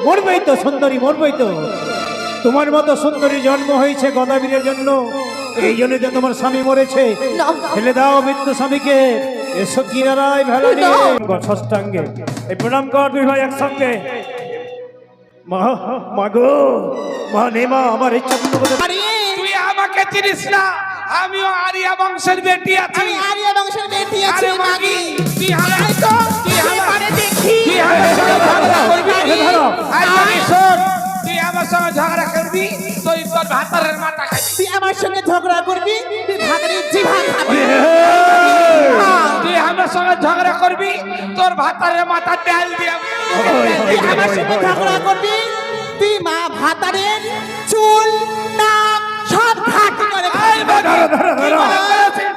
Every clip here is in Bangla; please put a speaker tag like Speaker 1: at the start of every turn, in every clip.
Speaker 1: মরবেই তো সুন্দরী, মরবেই তো। তোমার মতো সুন্দরী জন্ম হয়েছে গদাবীরের জন্য, এই জন্য তো তোমার স্বামী মরেছে। ফেলে দাও মৃত্যু স্বামীকে, এসো কিনারায় ভেলা নিয়ে ষষ্ঠাঙ্গে এই প্রণাম কর দুই ভাই একসঙ্গে। মা, মা গো, মা নে মা, আমার ইচ্ছা পূর্ণ করতে।
Speaker 2: তুই আমাকে চিনিস না, আমিও আরিয়া বংশের বেটি আছি।
Speaker 3: আমি আরিয়া বংশের বেটি আছি মাগি।
Speaker 2: তুই হারাই তো, তুই
Speaker 3: পারে দেখি
Speaker 2: তুই আমার সঙ্গে ঝগড়া করবি।
Speaker 1: ধরো।
Speaker 2: আই মাগি শোন, তুই আমার সঙ্গে ঝগড়া করবি, তুই তোর ভাতারের মাথা খাবি।
Speaker 3: তুই আমার সঙ্গে ঝগড়া করবি, তুই ভাতের জিভা খাবি।
Speaker 2: তুই আমার সঙ্গে ঝগড়া করবি, তোর ভাতারের মাথা তেল দিয়ে।
Speaker 3: তুই আমার সঙ্গে ঝগড়া করবি, তুই মা ভাতারের চুল নাক সব ঘাটি করে
Speaker 2: আই মাগি, কি মনে করেছিস?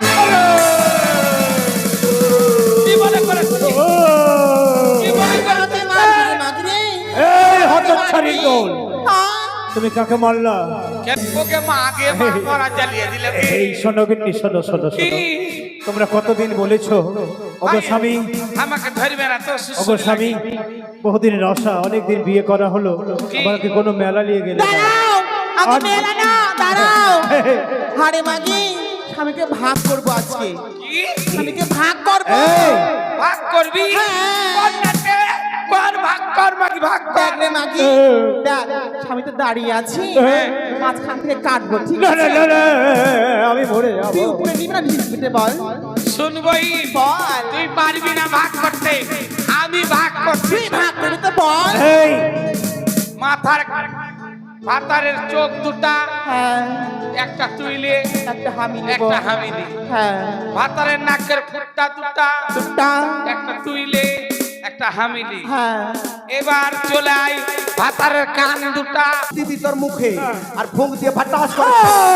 Speaker 2: কি মনে করেছিস? কি মনে করেছিস?
Speaker 1: এই হতচ্ছাড়ির দল, তুমি কাকে মারলা?
Speaker 2: ওকে মাকে মা করা জ্বালিয়ে দিলে।
Speaker 1: এই শোনো গিন্নি, শোনো শোনো শোনো, তোমরা কতদিন বলেছো ওগো স্বামী,
Speaker 2: আমাকে ধরবে না তো।
Speaker 1: ওগো স্বামী, বহুদিনের আশা, অনেকদিন বিয়ে করা হলো, আমাকে কোনো মেলা নিয়ে গেলে না।
Speaker 3: দাঁড়াও, আমি মেলা না, দাঁড়াও। হারে মাগি, স্বামীকে ভাগ করবো আজকে।
Speaker 2: কি
Speaker 3: স্বামীকে ভাগ করবো।
Speaker 1: এই,
Speaker 2: ভাগ করবি? কোনটাতে? কোন ভাগ কর মাগি, ভাগ
Speaker 3: দেখ
Speaker 2: কর।
Speaker 3: রে মাগি, দেখ, স্বামী তো দাঁড়িয়ে আছে, মাঝখান থেকে কাটবো, ঠিক
Speaker 1: না
Speaker 3: আছে?
Speaker 1: না না না, আমি মরে
Speaker 3: তুই
Speaker 1: যাবো।
Speaker 3: উপরে নিবি না নিচে বল?
Speaker 2: শুনবই,
Speaker 3: বল,
Speaker 2: তুই পারবি না ভাগ করতে, আমি ভাগ করছি।
Speaker 3: তুই ভাগ করবি তো বল।
Speaker 1: এই,
Speaker 2: মাথার ভাতারের চোখ দুটা,
Speaker 3: হ্যাঁ,
Speaker 2: একটা তুইলে
Speaker 3: একটা হামি নেব।
Speaker 2: একটা হামিলি।
Speaker 3: হ্যাঁ,
Speaker 2: ভাতারের নাকের ফুটটা দুটা,
Speaker 3: দুটা,
Speaker 2: একটা তুইলে একটা হামিলি।
Speaker 3: হ্যাঁ।
Speaker 2: এবার চলে আয় ভাতারের কান দুটা।
Speaker 3: দিদি তোর মুখে আর ফুঁক দিয়ে ফাটাস করে।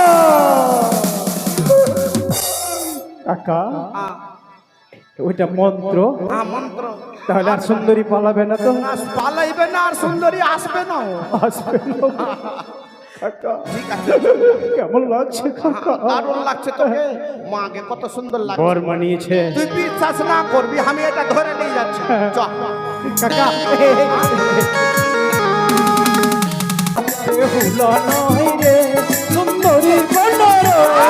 Speaker 1: কাকা, ওইটা মন্ত্র,
Speaker 3: মন্ত্র
Speaker 1: তাহলে আর সুন্দরী পালাবে না তো?
Speaker 3: পালাইবে না আর সুন্দরী আসবে না।
Speaker 1: আসবে না। কাকা, কেমন লাগছে কাকা?
Speaker 3: দারুণ লাগছে তোকে, মাকে কত সুন্দর লাগছে।
Speaker 1: বর মানিয়েছে
Speaker 3: তুই বিশ্বাস না করবি, আমি এটা ধরে নিয়ে যাচ্ছি। চল
Speaker 1: কাকা। বেহুলা নয় রে সুন্দরী কন্যা,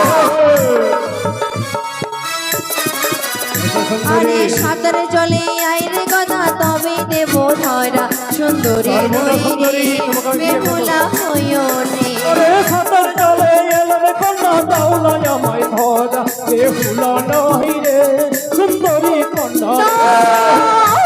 Speaker 4: আরে সাঁতারে জলে আইরে গদা তবে দেব ধরা সুন্দরী রই রে বেহুলা হইও নে।
Speaker 1: আরে সাঁতার জলে এলো রে কন্যা, দাওলা আমায় ধরা। বেহুলা নয় রে সুন্দরী কন্যা।